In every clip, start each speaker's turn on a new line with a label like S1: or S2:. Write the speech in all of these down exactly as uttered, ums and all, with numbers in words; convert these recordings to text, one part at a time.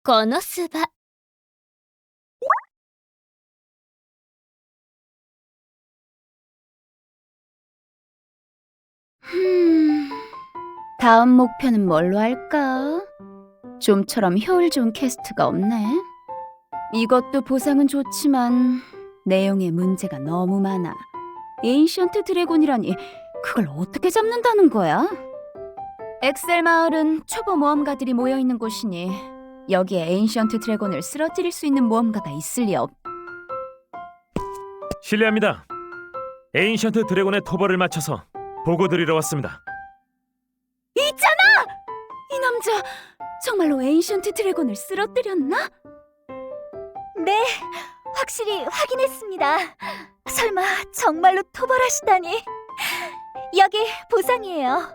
S1: このスバ。
S2: 흠, 다음 목표는 뭘로 할까? 좀처럼 효율 좋은 캐스트가 없네. 이것도 보상은 좋지만 내용에 문제가 너무 많아. 에인션트 드래곤이라니 그걸 어떻게 잡는다는 거야? 엑셀 마을은 초보 모험가들이 모여있는 곳이니 여기에 에인션트 드래곤을 쓰러뜨릴 수 있는 모험가가 있을 리 없...
S3: 실례합니다. 에인션트 드래곤의 토벌을 마쳐서 보고 드리러 왔습니다.
S2: 있잖아! 이 남자 정말로 에인션트 드래곤을 쓰러뜨렸나?
S4: 네, 확실히 확인했습니다. 설마 정말로 토벌하시다니. 여기 보상이에요.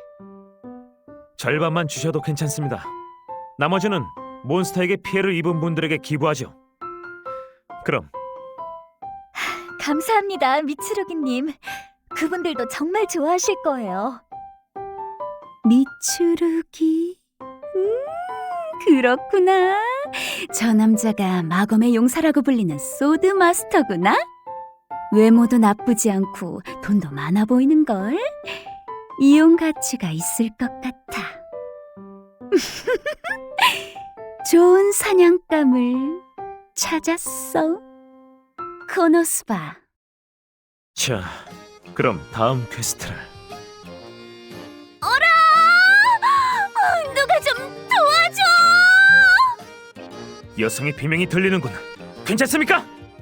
S3: 절반만 주셔도 괜찮습니다. 나머지는 몬스터에게 피해를 입은 분들에게 기부하죠. 그럼
S4: 감사합니다, 미츠루기님. 그분들도 정말 좋아하실 거예요.
S2: 미츠루기... 음, 그렇구나. 저 남자가 마검의 용사라고 불리는 소드 마스터구나. 외모도 나쁘지 않고 돈도 많아 보이는걸. 이용 가치가 있을 것 같아. 좋은 사냥감을 찾았어. 코노스바.
S3: 자, 그럼 다음 퀘스트를.
S4: 어라! 어, 누가 좀 도와줘!
S3: 여성의 비명이 들리는군. 괜찮습니까?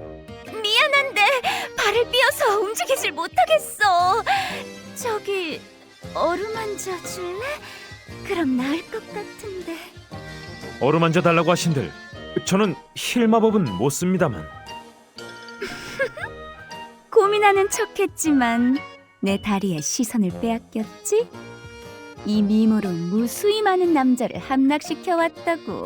S4: 미안한데 발을 삐어서 움직이질 못하겠어. 저기 어루만져 줄래? 그럼 나을 것 같은데.
S3: 어루만져 달라고 하신들 저는 힐 마법은 못 씁니다만.
S2: 고민하는 척했지만 내 다리에 시선을 빼앗겼지? 이 미모로 무수히 많은 남자를 함락시켜 왔다고.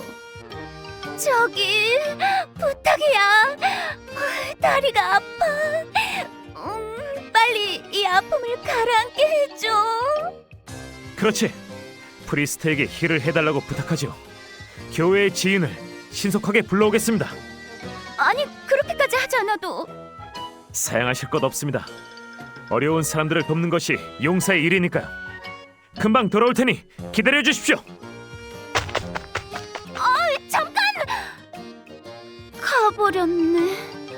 S4: 저기 부탁이야. 어, 다리가 아파. 음, 빨리 이 아픔을 가라앉게 해줘.
S3: 그렇지. 프리스트에게 힐을 해달라고 부탁하죠. 교회의 지인을 신속하게 불러오겠습니다.
S4: 아니, 그렇게까지 하지 않아도.
S3: 사양하실 것 없습니다. 어려운 사람들을 돕는 것이 용사의 일이니까요. 금방 돌아올 테니 기다려 주십시오.
S4: 어, 잠깐! 가버렸네.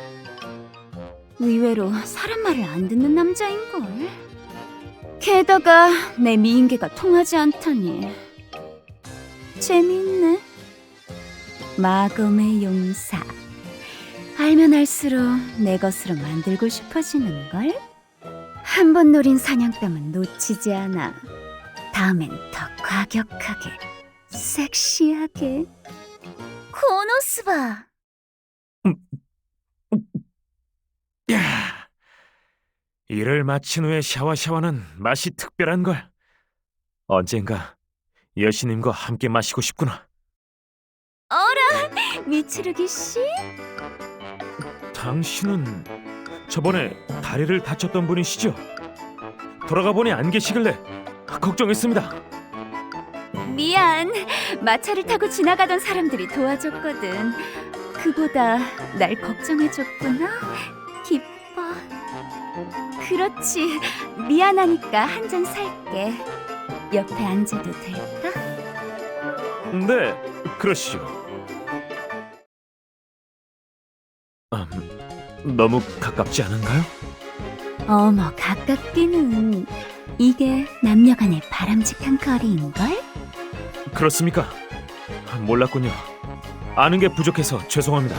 S2: 의외로 사람 말을 안 듣는 남자인걸. 게다가 내 미인계가 통하지 않다니. 재밌네. 마검의 용사. 알면 알수록 내 것으로 만들고 싶어지는걸? 한 번 노린 사냥감은 놓치지 않아. 다음엔 더 과격하게, 섹시하게.
S4: 코노스바.
S3: 야, 일을 마친 후에 샤워 샤워는 맛이 특별한 걸. 언젠가 여신님과 함께 마시고 싶구나.
S4: 어라, 미츠루기 씨?
S3: 당신은 저번에 다리를 다쳤던 분이시죠? 돌아가 보니 안 계시길래 걱정했습니다.
S2: 미안. 마차를 타고 지나가던 사람들이 도와줬거든. 그보다 날 걱정해줬구나. 기뻐. 그렇지. 미안하니까 한 잔 살게. 옆에 앉아도 될까?
S3: 네, 그러시죠. 음, 너무 가깝지 않은가요?
S2: 어머, 가깝기는. 이게 남녀간의 바람직한 거리인걸?
S3: 그렇습니까? 몰랐군요. 아는 게 부족해서 죄송합니다.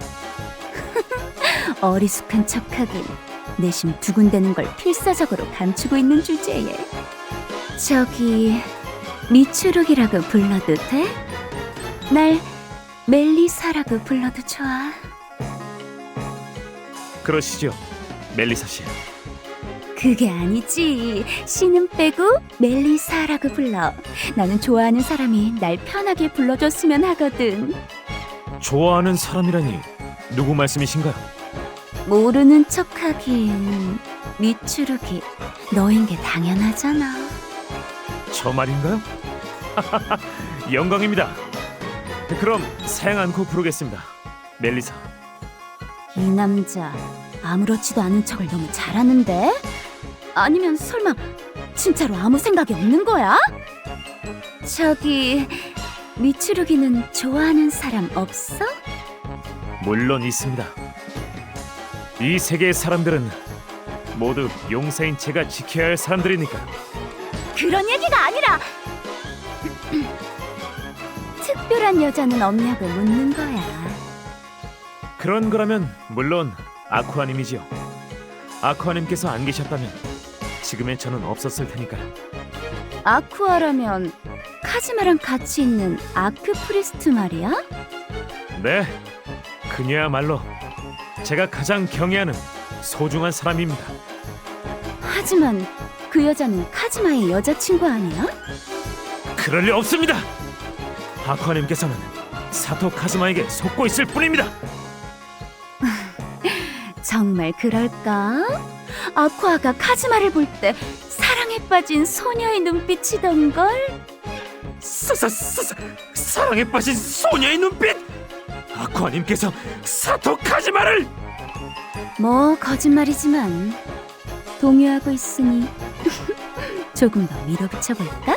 S2: 어리숙한 척하긴. 내심 두근대는 걸 필사적으로 감추고 있는 주제에. 저기 미추룩이라고 불러도 돼? 날 멜리사라고 불러도 좋아.
S3: 그러시죠, 멜리사 씨.
S2: 그게 아니지. 씨는 빼고 멜리사라고 불러. 나는 좋아하는 사람이 날 편하게 불러줬으면 하거든.
S3: 좋아하는 사람이라니 누구 말씀이신가요?
S2: 모르는 척하긴. 미추룩이 너인 게 당연하잖아.
S3: 저 말인가요? 영광입니다. 그럼 사양 않고 부르겠습니다. 멜리사.
S2: 이 남자 아무렇지도 않은 척을 너무 잘하는데? 아니면 설마 진짜로 아무 생각이 없는 거야? 저기 미츠루기는 좋아하는 사람 없어?
S3: 물론 있습니다. 이 세계의 사람들은 모두 용사인 제가 지켜야 할 사람들이니까.
S2: 그런 얘기가 아니라 특별한 여자는 없냐고 묻는 거야.
S3: 그런 거라면 물론 아쿠아님이지요. 아쿠아님께서 안 계셨다면 지금의 저는 없었을 테니까요.
S2: 아쿠아라면 카즈마랑 같이 있는 아크 프리스트 말이야?
S3: 네, 그녀야말로 제가 가장 경애하는 소중한 사람입니다.
S2: 하지만 그 여자는 카즈마의 여자친구 아니야?
S3: 그럴 리 없습니다. 아쿠아님께서는 사토 카즈마에게 속고 있을 뿐입니다.
S2: 정말 그럴까? 아쿠아가 카즈마를 볼 때 사랑에 빠진 소녀의 눈빛이던걸?
S3: 사, 사, 사, 사, 사랑에 빠진 소녀의 눈빛! 아쿠아님께서 사토 카즈마를!
S2: 뭐 거짓말이지만 동요하고 있으니 조금 더 밀어붙여볼까?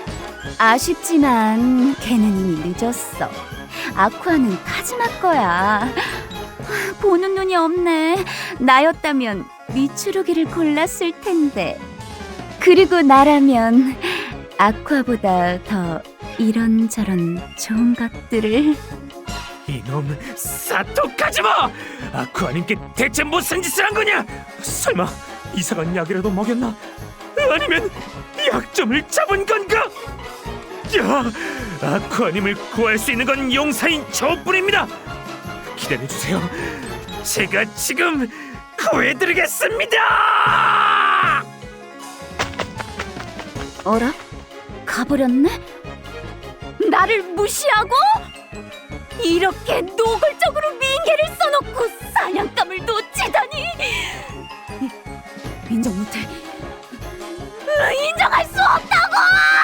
S2: 아쉽지만 걔는 이미 늦었어. 아쿠아는 카즈마 거야. 보는 눈이 없네. 나였다면 미츠루기를 골랐을 텐데. 그리고 나라면 아쿠아보다 더 이런저런 좋은 것들을.
S3: 이놈 사토 카즈마! 아쿠아님께 대체 무슨 짓을 한 거냐? 설마 이상한 약이라도 먹였나? 아니면 약점을 잡은 건가? 야, 아쿠아님을 구할 수 있는 건 용사인 저뿐입니다. 기다려주세요. 제가 지금 구해드리겠습니다.
S2: 어라? 가버렸네? 나를 무시하고? 이렇게 노골적으로 미인계를 써놓고 사냥감을 놓치다니! 이- 인정 못해. 으, 인정할 수 없다고!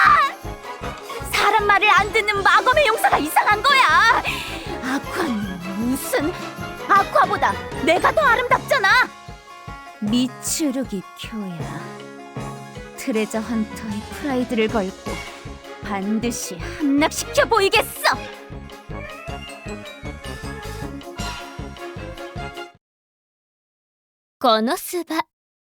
S2: 사람 말을 안 듣는 마검의 용사가 이상한 거야! 아쿠아는 무슨... 아쿠아보다 내가 더 아름답잖아! 미츠루기 쿄야. 트레저 헌터의 프라이드를 걸고 반드시 함락시켜 보이겠어!
S4: 코노스바.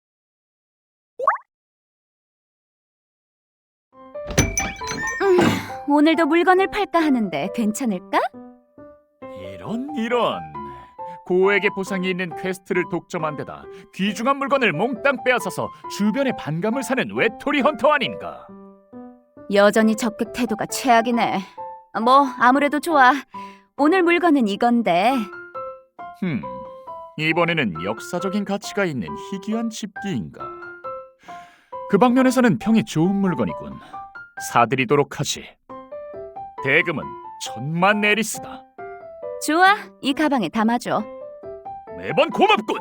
S2: 음, 오늘도 물건을 팔까 하는데 괜찮을까?
S1: 이런 이런 고액의 보상이 있는 퀘스트를 독점한 데다 귀중한 물건을 몽땅 빼앗아서 주변의 반감을 사는 외톨이 헌터 아닌가.
S2: 여전히 적극 태도가 최악이네. 뭐 아무래도 좋아. 오늘 물건은 이건데.
S1: 흠, 이번에는 역사적인 가치가 있는 희귀한 집기인가. 그 방면에서는 평이 좋은 물건이군. 사드리도록 하지. 대금은 천만 네리스다.
S2: 좋아, 이 가방에 담아줘.
S1: 매번 고맙군.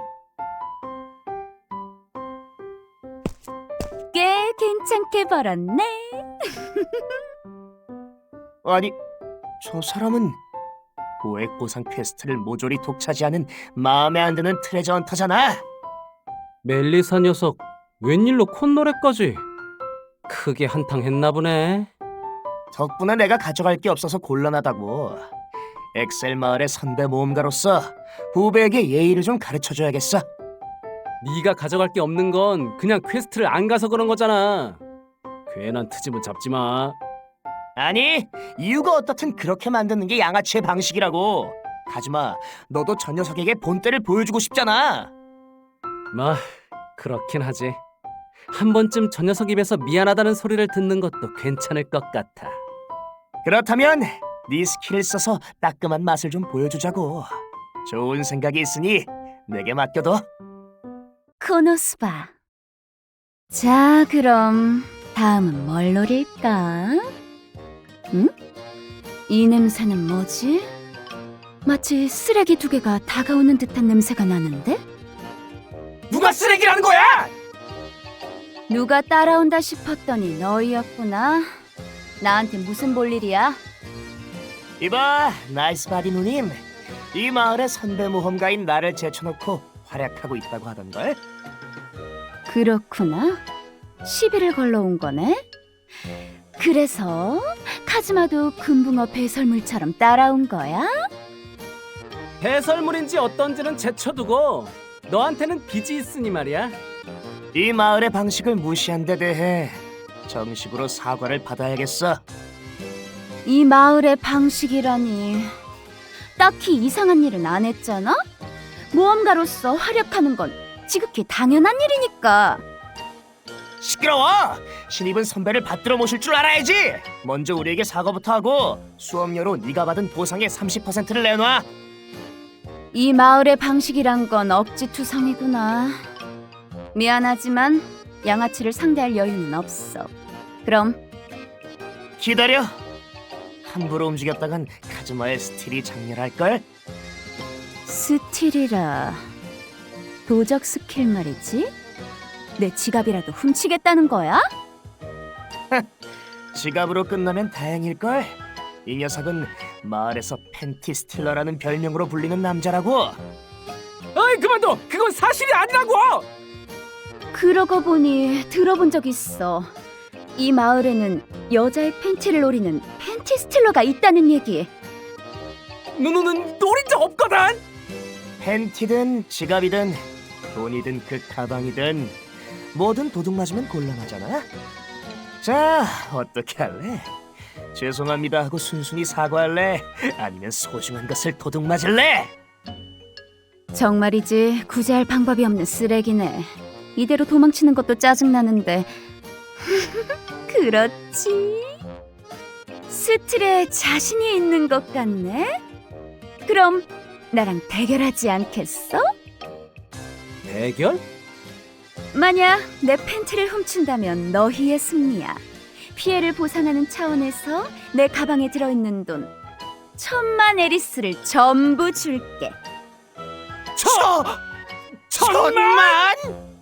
S2: 꽤 괜찮게 벌었네.
S5: 아니, 저 사람은 고액 보상 퀘스트를 모조리 독차지하는 마음에 안 드는 트레저 헌터잖아.
S6: 멜리사 녀석 웬일로 콧노래까지 크게 한탕했나 보네.
S5: 덕분에 내가 가져갈 게 없어서 곤란하다고. 엑셀 마을의 선배 모험가로서 후배에게 예의를 좀 가르쳐줘야겠어.
S6: 네가 가져갈 게 없는 건 그냥 퀘스트를 안 가서 그런 거잖아. 괜한 트집은 잡지 마.
S5: 아니, 이유가 어떻든 그렇게 만드는 게 양아치의 방식이라고. 가지마, 너도 저 녀석에게 본때를 보여주고 싶잖아.
S6: 뭐 그렇긴 하지. 한 번쯤 저 녀석 입에서 미안하다는 소리를 듣는 것도 괜찮을 것 같아.
S5: 그렇다면 네 스킬을 써서 따끔한 맛을 좀 보여주자고. 좋은 생각이 있으니 내게 맡겨둬.
S2: 코노스바. 자, 그럼 다음은 뭘 노릴까? 응? 이 냄새는 뭐지? 마치 쓰레기 두 개가 다가오는 듯한 냄새가 나는데?
S5: 누가 쓰레기라는 거야?
S2: 누가 따라온다 싶었더니 너희였구나. 나한테 무슨 볼일이야?
S5: 이봐, 나이스 바디 누님. 이 마을의 선배 모험가인 나를 제쳐놓고 활약하고 있다고 하던걸.
S2: 그렇구나. 시비를 걸러온 거네. 그래서 카즈마도 금붕어 배설물처럼 따라온 거야?
S6: 배설물인지 어떤지는 제쳐두고 너한테는 빚이 있으니 말이야.
S5: 이 마을의 방식을 무시한 데 대해 정식으로 사과를 받아야겠어.
S2: 이 마을의 방식이라니. 딱히 이상한 일은 안 했잖아? 모험가로서 활약하는 건 지극히 당연한 일이니까.
S5: 시끄러워! 신입은 선배를 받들어 모실 줄 알아야지! 먼저 우리에게 사과부터 하고 수업료로 네가 받은 보상의 삼십 퍼센트를 내놔.
S2: 이 마을의 방식이란 건 억지투성이구나. 미안하지만 양아치를 상대할 여유는 없어. 그럼
S5: 기다려. 함부로 움직였다간 카즈마의 스틸이 장렬할걸?
S2: 스틸이라. 도적 스킬 말이지? 내 지갑이라도 훔치겠다는 거야?
S5: 지갑으로 끝나면 다행일걸? 이 녀석은 마을에서 팬티 스틸러라는 별명으로 불리는 남자라고.
S6: 어이 그만둬. 그건 사실이 아니라고.
S2: 그러고 보니 들어본 적 있어. 이 마을에는 여자의 팬티를 노리는 팬티 스틸러가 있다는 얘기.
S6: 누누는 노린 적 없거든.
S5: 팬티든 지갑이든 돈이든 그 가방이든 뭐든 도둑 맞으면 곤란하잖아. 자, 어떻게 할래? 죄송합니다 하고 순순히 사과할래? 아니면 소중한 것을 도둑 맞을래?
S2: 정말이지 구제할 방법이 없는 쓰레기네. 이대로 도망치는 것도 짜증나는데. 그렇지. 스틸에 자신이 있는 것 같네. 그럼 나랑 대결하지 않겠어?
S6: 대결?
S2: 만약 내 팬티를 훔친다면 너희의 승리야. 피해를 보상하는 차원에서 내 가방에 들어있는 돈 천만 에리스를 전부 줄게.
S5: 천! 천만!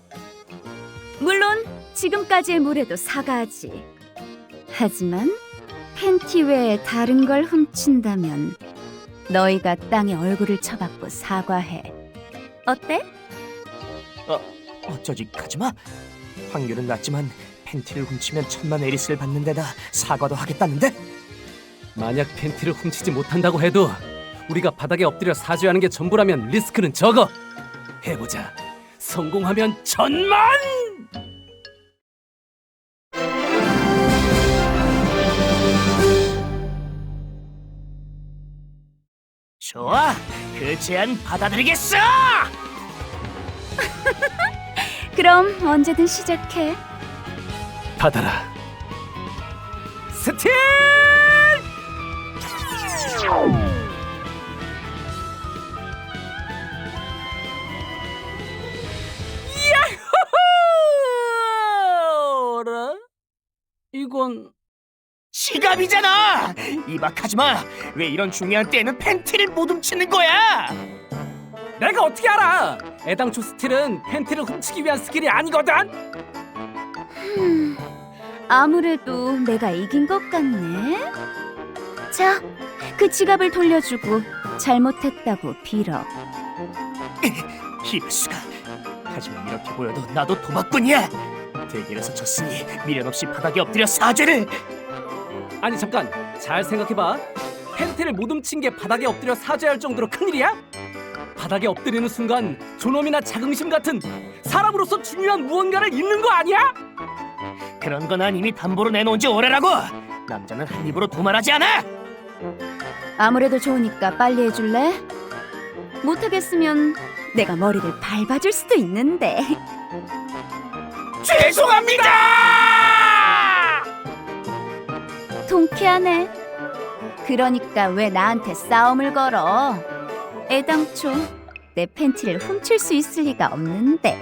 S2: 물론 지금까지의 무례도 사과하지. 하지만 팬티 외에 다른 걸 훔친다면 너희가 땅에 얼굴을 쳐박고 사과해. 어때?
S5: 어쩌지 카즈마? 확률은 낮지만 팬티를 훔치면 천만 에리스를 받는 데다 사과도 하겠다는데?
S6: 만약 팬티를 훔치지 못한다고 해도 우리가 바닥에 엎드려 사죄하는 게 전부라면 리스크는 적어. 해보자. 성공하면 천만!
S5: 좋아, 그 제안 받아들이겠어!
S2: 그럼 언제든 시작해.
S6: 받아라. 스틸! 야호호! 어라? 이건
S5: 지갑이잖아! 이봐 카즈마, 왜 이런 중요한 때에는 팬티를 못 훔치는 거야?
S6: 내가 어떻게 알아? 애당초 스틸은 팬티를 훔치기 위한 스킬이 아니거든.
S2: 흠, 아무래도 내가 이긴 것 같네. 자, 그 지갑을 돌려주고 잘못했다고 빌어.
S5: 이럴 수가. 하지만 이렇게 보여도 나도 도박꾼이야. 대결에서 졌으니 미련 없이 바닥에 엎드려 사죄를.
S6: 아니 잠깐, 잘 생각해봐. 팬티를 못 훔친 게 바닥에 엎드려 사죄할 정도로 큰일이야? 바닥에 엎드리는 순간 존엄이나 자긍심 같은 사람으로서 중요한 무언가를 잃는 거 아니야?
S5: 그런 건 난 이미 담보로 내놓은 지 오래라고. 남자는 한 입으로 도말하지 않아.
S2: 아무래도 좋으니까 빨리 해줄래? 못하겠으면 내가 머리를 밟아줄 수도 있는데.
S5: 죄송합니다.
S2: 통쾌하네. 그러니까 왜 나한테 싸움을 걸어? 애당초 내 팬티를 훔칠 수 있을 리가 없는데.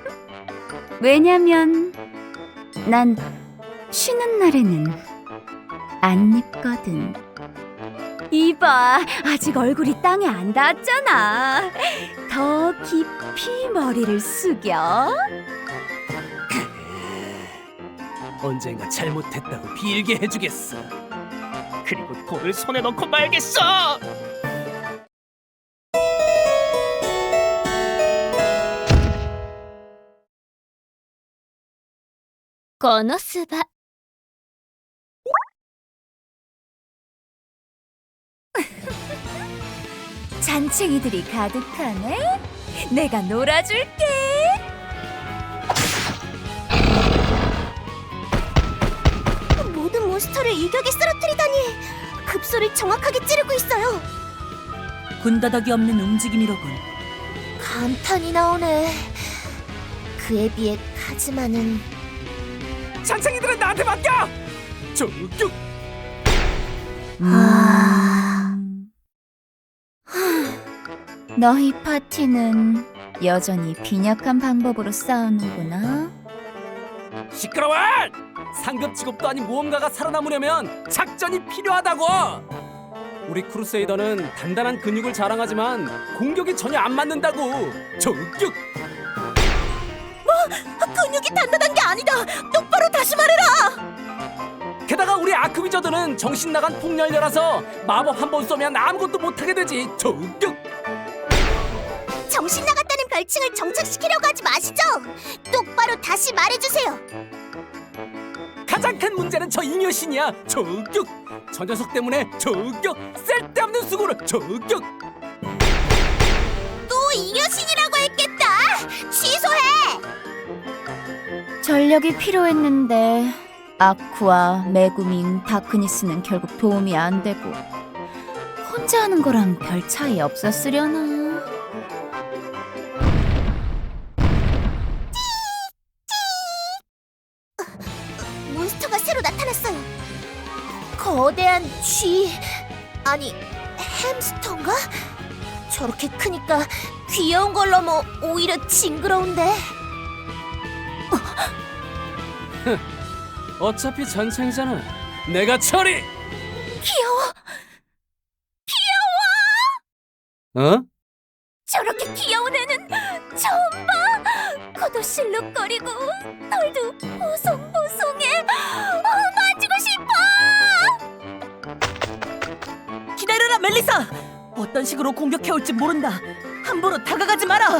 S2: 왜냐면 난 쉬는 날에는 안 입거든. 이봐, 아직 얼굴이 땅에 안 닿았잖아. 더 깊이 머리를 숙여.
S6: 언젠가 잘못했다고 빌게 해주겠어.
S5: 그리고 돌을 손에 넣고 말겠어.
S4: 거노스바.
S2: 잔챙이들이 가득하네. 내가 놀아줄게.
S4: 모든 몬스터를 일격에 쓰러뜨리다니. 급소를 정확하게 찌르고 있어요.
S2: 군더더기 없는 움직임이로군.
S4: 감탄이 나오네. 그에 비해 카즈마는
S6: 잔챙이들은 나한테 맡겨. 저격.
S4: 아...
S2: 너희 파티는 여전히 빈약한 방법으로 싸우는구나.
S6: 시끄러워! 상급 직업도 아닌 모험가가 살아남으려면 작전이 필요하다고. 우리 크루세이더는 단단한 근육을 자랑하지만 공격이 전혀 안 맞는다고. 저격.
S4: 근육이 단단한 게 아니다. 똑바로 다시 말해라.
S6: 게다가 우리 아크위저들은 정신 나간 폭렬녀라서 마법 한 번 쏘면 아무것도 못하게 되지. 저격.
S4: 정신 나갔다는 별칭을 정착시키려고 하지 마시죠. 똑바로 다시 말해주세요.
S6: 가장 큰 문제는 저 잉여신이야. 저격. 저 녀석 때문에 저격. 쓸데없는 수고를 저격.
S4: 또 이여신이라고 했겠다. 취소해.
S2: 전력이 필요했는데 아쿠아, 메구민, 다크니스는 결국 도움이 안 되고 혼자 하는 거랑 별 차이 없었으려나.
S4: 몬스터가 새로 나타났어요. 거대한 쥐 아니 햄스터인가? 저렇게 크니까 귀여운 걸 넘어 오히려 징그러운데.
S6: 어차피 잔챙이잖아. 내가 처리.
S4: 귀여워.
S6: 어?
S4: 저렇게 귀여운 애는 처음 봐. 코도 실룩거리고 털도 보송보송해. 어, 만지고 싶어.
S7: 기다려라 멜리사! 어떤 식으로 공격해올지 모른다. 함부로 다가가지 마라.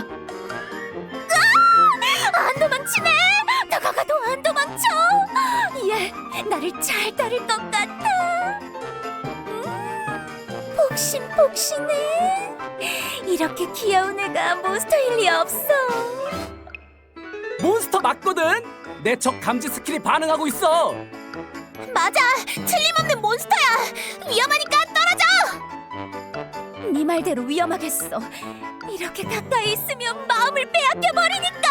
S4: 안 도망치네. 다가가도 안 도망쳐. 얘 나를 잘 따를 것 같아. 음, 폭신폭신해. 이렇게 귀여운 애가 몬스터일 리 없어.
S6: 몬스터 맞거든. 내 적 감지 스킬이 반응하고 있어.
S4: 맞아. 틀림없는 몬스터야. 위험하니까 떨어져. 네 말대로 위험하겠어. 이렇게 가까이 있으면 마음을 빼앗겨 버리니까.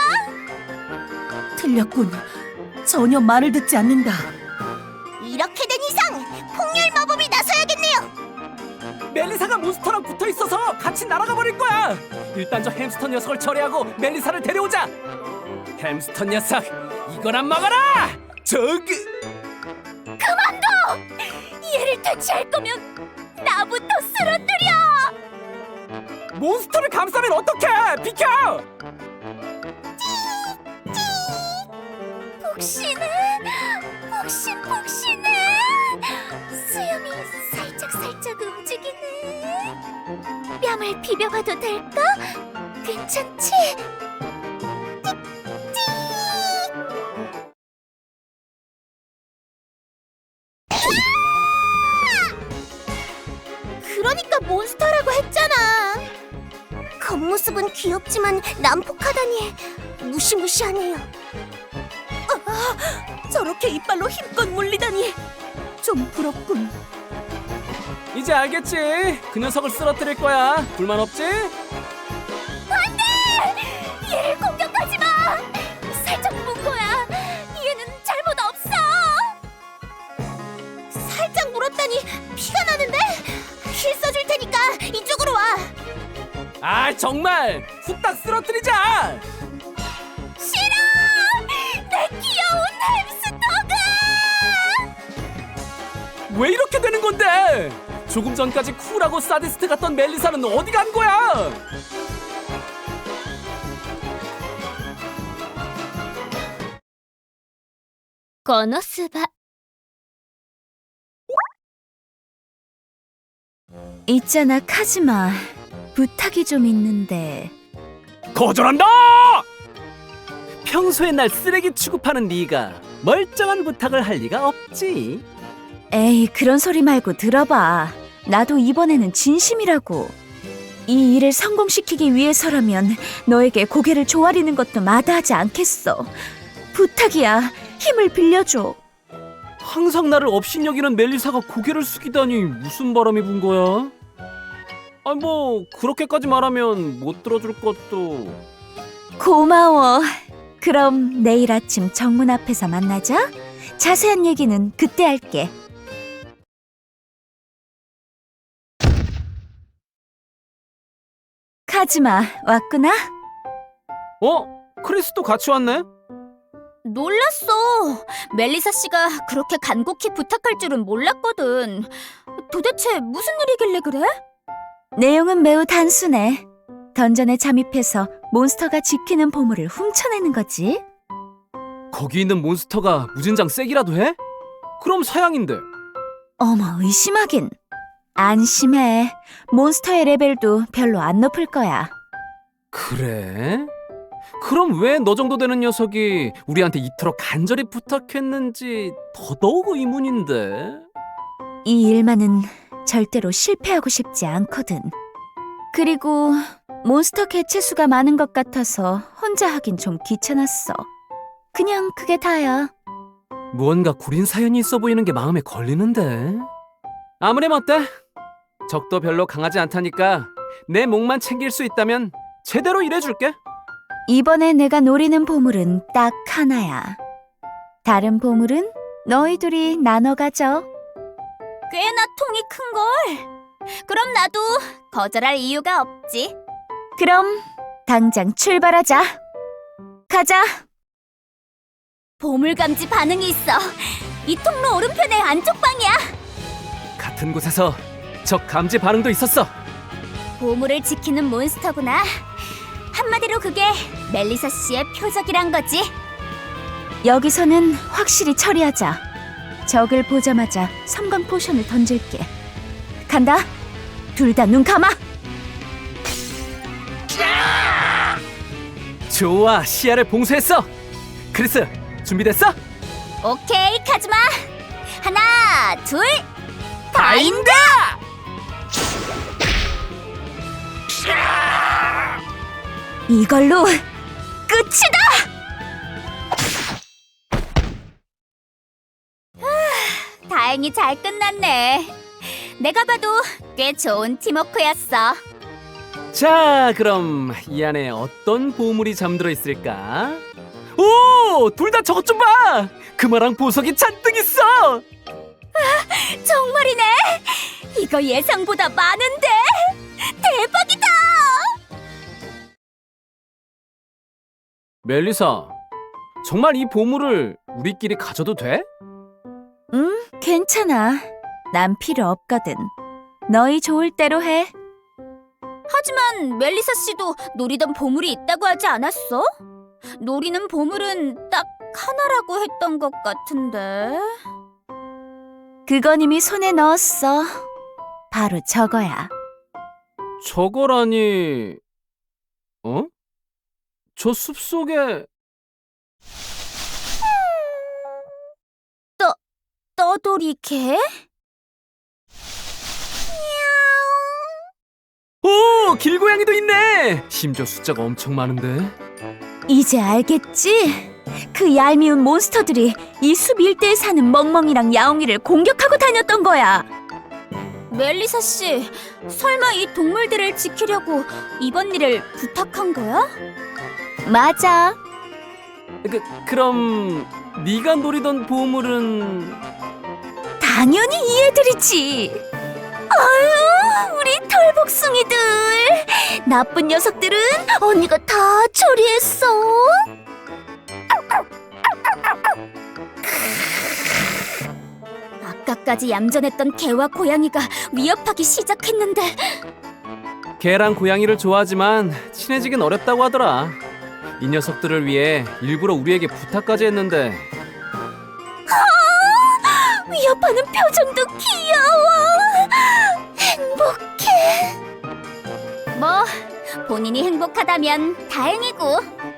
S7: 틀렸군. 전혀 말을 듣지 않는다.
S4: 이렇게 된 이상 폭렬 마법이 나서야겠네요.
S6: 멜리사가 몬스터랑 붙어 있어서 같이 날아가 버릴 거야. 일단 저 햄스터 녀석을 처리하고 멜리사를 데려오자. 햄스터 녀석, 이거나 먹어라. 저기.
S4: 그만둬. 얘를 퇴치할 거면 나부터 쓰러뜨려.
S6: 몬스터를 감싸면 어떡해? 비켜.
S4: 폭신해. 폭신폭신해. 수염이 살짝살짝 움직이네. 뺨을 비벼봐도 될까? 괜찮지? 그러니까 몬스터라고 했잖아. 겉모습은 귀엽지만 난폭하다니 무시무시하네요.
S7: 저렇게 이빨로 힘껏 물리다니. 좀 부럽군.
S6: 이제 알겠지? 그 녀석을 쓰러뜨릴 거야. 불만 없지?
S4: 얘를 공격하지 마. 살짝 문 거야. 얘는 잘못 없어. 살짝 물었다니 피가 나는데? 힐 써줄 테니까 이쪽으로 와.
S6: 아 정말 후딱 쓰러뜨리자.
S4: 싫어. 내 귀여운 햄스터가.
S6: 왜 이렇게 되는 건데? 조금 전까지 쿨하고 사디스트 같던 멜리사는 어디 간 거야?
S4: 거노스바.
S2: 있잖아, 카즈마. 부탁이 좀 있는데.
S6: 거절한다! 평소에 날 쓰레기 취급하는 네가 멀쩡한 부탁을 할 리가 없지.
S2: 에이, 그런 소리 말고 들어봐. 나도 이번에는 진심이라고. 이 일을 성공시키기 위해서라면 너에게 고개를 조아리는 것도 마다하지 않겠어. 부탁이야. 힘을 빌려줘.
S6: 항상 나를 업신여기는 멜리사가 고개를 숙이다니 무슨 바람이 분 거야? 아, 뭐 그렇게까지 말하면 못 들어줄 것도.
S2: 고마워. 그럼 내일 아침 정문 앞에서 만나자. 자세한 얘기는 그때 할게. 카즈마, 왔구나?
S6: 어? 크리스도 같이 왔네?
S4: 놀랐어. 멜리사 씨가 그렇게 간곡히 부탁할 줄은 몰랐거든. 도대체 무슨 일이길래 그래?
S2: 내용은 매우 단순해. 던전에 잠입해서 몬스터가 지키는 보물을 훔쳐내는 거지.
S6: 거기 있는 몬스터가 무진장 세기라도 해? 그럼 사양인데.
S2: 어머, 의심하긴. 안심해. 몬스터의 레벨도 별로 안 높을 거야.
S6: 그래? 그럼 왜 너 정도 되는 녀석이 우리한테 이토록 간절히 부탁했는지 더더욱 의문인데.
S2: 이 일만은 절대로 실패하고 싶지 않거든. 그리고 몬스터 개체 수가 많은 것 같아서 혼자 하긴 좀 귀찮았어. 그냥 그게 다야.
S6: 무언가 구린 사연이 있어 보이는 게 마음에 걸리는데. 아무렴 어때? 적도 별로 강하지 않다니까 내 목만 챙길 수 있다면 제대로 일해줄게.
S2: 이번에 내가 노리는 보물은 딱 하나야. 다른 보물은 너희 둘이 나눠 가져.
S4: 꽤나 통이 큰걸. 그럼 나도 거절할 이유가 없지.
S2: 그럼 당장 출발하자. 가자.
S4: 보물감지 반응이 있어. 이 통로 오른편의 안쪽 방이야.
S6: 같은 곳에서 적 감지 반응도 있었어.
S4: 보물을 지키는 몬스터구나. 한마디로 그게 멜리사 씨의 표적이란 거지.
S2: 여기서는 확실히 처리하자. 적을 보자마자 섬광 포션을 던질게. 간다. 둘 다 눈 감아.
S6: 좋아, 시야를 봉쇄했어. 크리스, 준비됐어?
S4: 오케이, 카즈마. 하나, 둘, 바인드!
S2: 이걸로 끝이다.
S4: 다행히 잘 끝났네. 내가 봐도 꽤 좋은 팀워크였어.
S6: 자, 그럼 이 안에 어떤 보물이 잠들어 있을까? 오! 둘 다 저것 좀 봐! 금화랑 보석이 잔뜩 있어!
S4: 정말이네. 이거 예상보다 많은데. 대박이다.
S6: 멜리사, 정말 이 보물을 우리끼리 가져도 돼?
S2: 응, 괜찮아. 난 필요 없거든. 너희 좋을 대로 해.
S4: 하지만 멜리사 씨도 노리던 보물이 있다고 하지 않았어? 노리는 보물은 딱 하나라고 했던 것 같은데.
S2: 그건 이미 손에 넣었어. 바로 저거야.
S6: 저거라니... 어? 저 숲속에...
S4: 떠돌이 개?
S6: 오! 길고양이도 있네! 심지어 숫자가 엄청 많은데?
S2: 이제 알겠지? 그 얄미운 몬스터들이 이 숲 일대에 사는 멍멍이랑 야옹이를 공격하고 다녔던 거야.
S4: 멜리사 씨, 설마 이 동물들을 지키려고 이번 일을 부탁한 거야?
S2: 맞아.
S6: 그, 그럼... 네가 노리던 보물은...
S2: 당연히 이 애들이지. 아유, 우리 털복숭이들. 나쁜 녀석들은 언니가 다 처리했어.
S4: 아까까지 얌전했던 개와 고양이가 위협하기 시작했는데.
S6: 개랑 고양이를 좋아하지만 친해지긴 어렵다고 하더라. 이 녀석들을 위해 일부러 우리에게 부탁까지 했는데.
S2: 위협하는 표정도 귀여워.
S4: 행복해. 뭐 본인이 행복하다면 다행이고.